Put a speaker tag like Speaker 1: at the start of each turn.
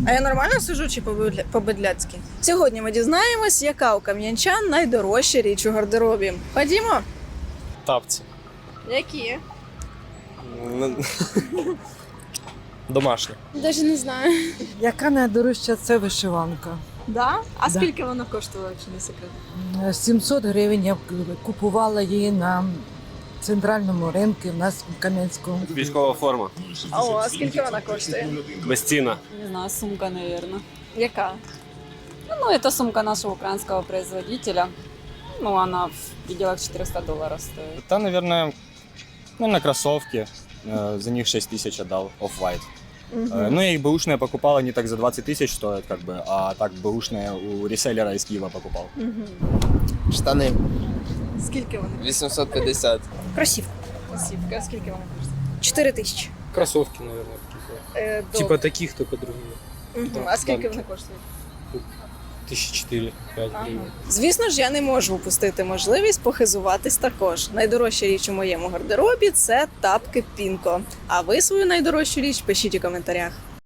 Speaker 1: А я нормально сижу чи по-бедляцьки? Сьогодні ми дізнаємось, яка у кам'янчан найдорожча річ у гардеробі. Ходімо?
Speaker 2: Тапці.
Speaker 1: Які?
Speaker 2: Домашні.
Speaker 3: Даже не знаю.
Speaker 4: Яка найдорожча це вишиванка.
Speaker 1: Да? А
Speaker 4: Да.
Speaker 1: скільки вона коштувала, чи не секрет?
Speaker 4: 700 гривень я купувала її на центральному ринку в нас в Кам'янському.
Speaker 5: Військова форма.
Speaker 1: А скільки вона коштує?
Speaker 5: Безцінна.
Speaker 6: Не знаю, сумка, наверное.
Speaker 1: Яка?
Speaker 6: Ну, это сумка нашего украинского производителя. Ну, она в пределах $400 стоит.
Speaker 2: Та, наверное, кроссовки. За них 6 тысяч отдал, Off-White. Ну, я их бэушные покупал, они так за 20 тысяч стоят, как бы, а так бэушные у реселлера из Киева покупал.
Speaker 7: Штани
Speaker 1: Скільки вони?
Speaker 7: 850.
Speaker 4: Красивка.
Speaker 1: Кросівки. А скільки вона коштує?
Speaker 4: 4 тисячі.
Speaker 8: Кроссовки, наверное, какие-то.
Speaker 1: Добре.
Speaker 8: Типа таких, только другие.
Speaker 1: А скільки вони коштують?
Speaker 8: 1004-5 гривен.
Speaker 1: Звісно ж, я не можу упустити можливість похизуватись також. Найдорожча річ у моєму гардеробі – це тапки Пінко. А ви свою найдорожчу річ пишіть у коментарях.